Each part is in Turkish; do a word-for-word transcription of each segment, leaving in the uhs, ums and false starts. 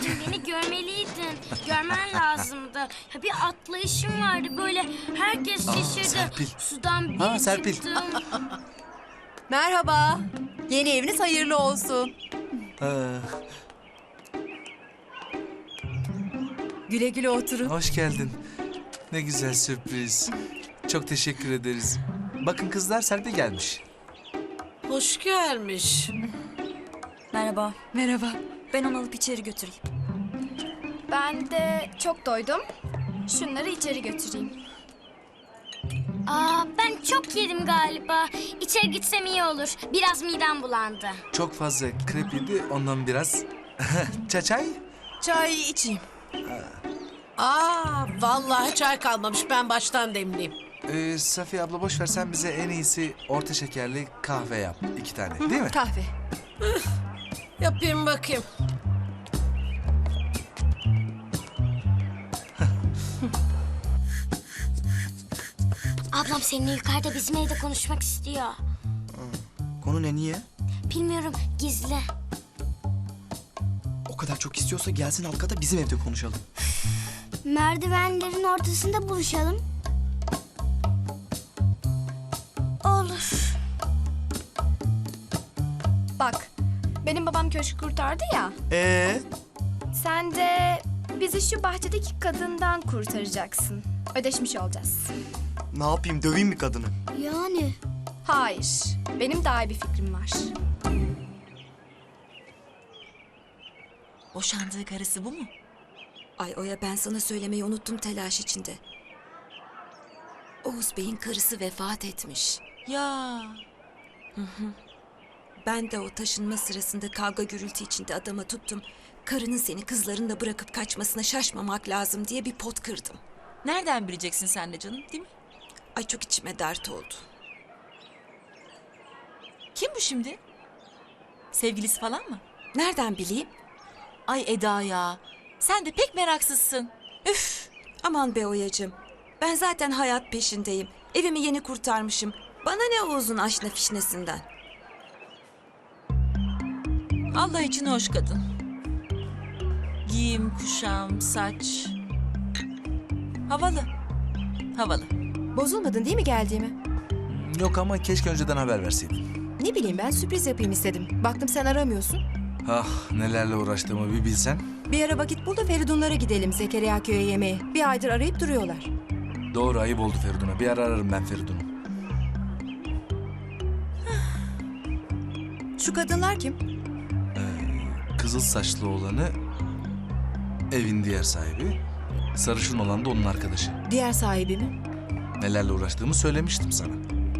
Anneciğim beni görmeliydin. Görmen lazımdı. Ya bir atlayışım vardı böyle. Herkes şaşırdı. Serpil. Sudan bir Ha, Serpil. çıktım. Merhaba. Yeni eviniz hayırlı olsun. Ee, Güle güle oturun. hoş geldin. Ne güzel sürpriz. Çok teşekkür ederiz. Bakın kızlar Serpil gelmiş. Hoş gelmiş. Merhaba. Merhaba. Ben onu alıp içeri götüreyim. Ben de çok doydum. Şunları içeri götüreyim. Aa, ben çok yedim galiba. İçeri gitsem iyi olur. Biraz midem bulandı. Çok fazla krep yedi, ondan biraz. Çaçay? Çay içeyim. Aa, vallahi çay kalmamış. Ben baştan demleyeyim. Ee, Safiye abla boş ver, sen bize en iyisi orta şekerli kahve yap. İki tane, değil mi? Kahve. Yapayım bakayım. Ablam seninle yukarıda bizim evde konuşmak istiyor. Konu ne, niye? Bilmiyorum, gizli. O kadar çok istiyorsa gelsin alt kata bizim evde konuşalım. Merdivenlerin ortasında buluşalım. Olur. Bak, benim babam köşkü kurtardı ya. Ee, Sen de bizi şu bahçedeki kadından kurtaracaksın. Ödeşmiş olacağız. ne yapayım, döveyim mi kadını? Yani? Hayır, benim daha iyi bir fikrim var. Boşandığı karısı bu mu? Ay Oya, ben sana söylemeyi unuttum telaş içinde. Oğuz Bey'in karısı vefat etmiş. Ya. Hı hı. Ben de o taşınma sırasında kavga gürültü içinde adama tuttum. Karının seni kızlarınla bırakıp kaçmasına şaşmamak lazım diye bir pot kırdım. Nereden bileceksin sen de canım, değil mi? Ay çok içime dert oldu. Kim bu şimdi? Sevgilisi falan mı? Nereden bileyim? Ay Eda ya, sen de pek meraksızsın. Üf! Aman be Oyacığım. Ben zaten hayat peşindeyim. Evimi yeni kurtarmışım. Bana ne Oğuz'un aşna fişnesinden. Allah için hoş kadın. Giyim, kuşam, saç. Havalı. Havalı. Bozulmadın değil mi geldiğime? Yok ama keşke önceden haber verseydin. Ne bileyim, ben sürpriz yapayım istedim. Baktım sen aramıyorsun. Ah, nelerle uğraştığımı bir bilsen. Bir ara vakit bul da Feridunlara gidelim Zekeriya köye yemeğe. Bir aydır arayıp duruyorlar. Doğru, ayıp oldu Feridun'a. Bir ara ararım ben Feridun'u. Şu kadınlar kim? Kızıl saçlı olanı evin diğer sahibi. Sarışın olan da onun arkadaşı. Diğer sahibi mi? Nelerle uğraştığımı söylemiştim sana.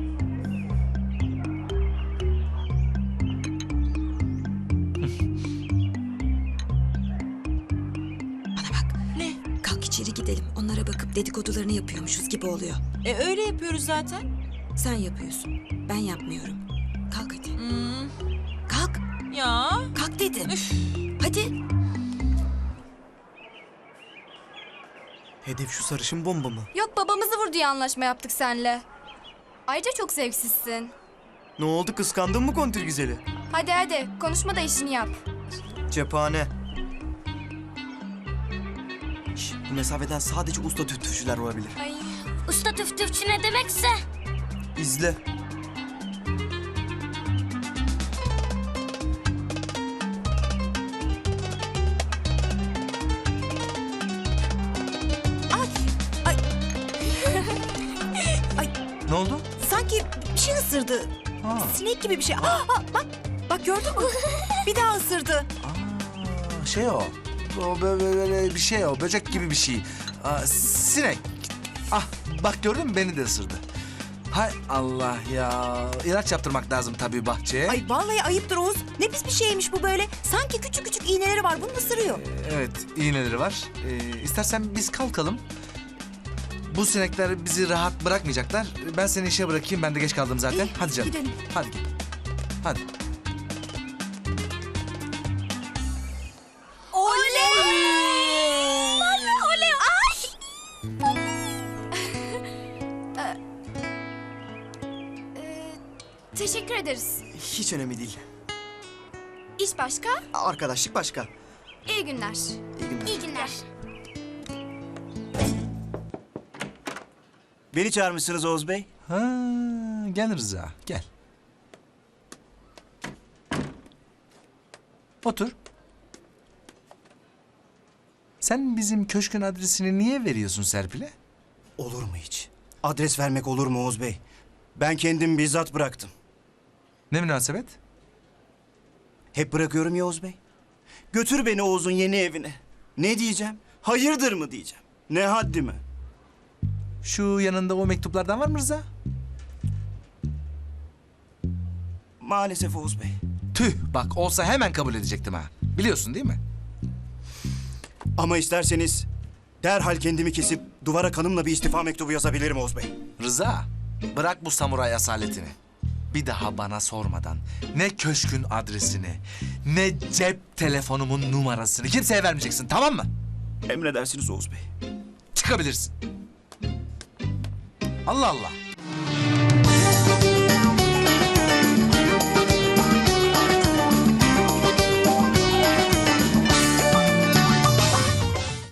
Bana bak. Ne? Kalk içeri gidelim. Onlara bakıp dedikodularını yapıyormuşuz gibi oluyor. E öyle yapıyoruz zaten. Sen yapıyorsun. Ben yapmıyorum. Kalk hadi. Hmm, Kalk. ya. Kalk dedim. Üf. Hadi. Hedef şu sarışın bomba mı? Yok, babamızı vur diye anlaşma yaptık seninle. Ayrıca çok zevksizsin. Ne oldu, kıskandın mı kontil güzeli? Hadi hadi, konuşma da işini yap. Cephane. Şş, bu mesafeden sadece usta tüftüfçüler olabilir. Ay. Usta tüftüfçü ne demekse. İzle. Ne oldu? Sanki bir şey ısırdı. Ha. Sinek gibi bir şey. Aa, aa, bak, bak gördün mü? Bir daha ısırdı. Aa, şey o. O böyle, böyle bir şey o. Böcek gibi bir şey. Aa, sinek. Ah, bak gördün mü, beni de ısırdı. Hay Allah ya. İlaç yaptırmak lazım tabii bahçeye. Ay vallahi ayıptır Oğuz. Ne pis bir şeymiş bu böyle. Sanki küçük küçük iğneleri var. Bunu ısırıyor. Evet, iğneleri var. Ee, istersen biz kalkalım. Bu sinekler bizi rahat bırakmayacaklar. Ben seni işe bırakayım. Ben de geç kaldım zaten. İyi, Hadi canım. gidelim. Hadi git. Hadi. Ee, teşekkür ederiz. Hiç önemli değil. İş başka? Arkadaşlık başka. İyi günler. İyi günler. İyi günler. Beni çağırmışsınız Oğuz Bey. Ha, gel Rıza, gel. Otur. Sen bizim köşkün adresini niye veriyorsun Serpil'e? Olur mu hiç? Adres vermek olur mu Oğuz Bey? Ben kendim bizzat bıraktım. Ne münasebet? Hep bırakıyorum ya Oğuz Bey. Götür beni Oğuz'un yeni evine. Ne diyeceğim? Hayırdır mı diyeceğim? Ne haddime? Şu yanında o mektuplardan var mı Rıza? Maalesef Oğuz Bey. Tüh, bak olsa hemen kabul edecektim ha. Biliyorsun değil mi? Ama isterseniz derhal kendimi kesip duvara kanımla bir istifa mektubu yazabilirim Oğuz Bey. Rıza, bırak bu samuray asaletini. Bir daha bana sormadan ne köşkün adresini, ne cep telefonumun numarasını kimseye vermeyeceksin, tamam mı? Emredersiniz Oğuz Bey. Çıkabilirsin. Allah Allah.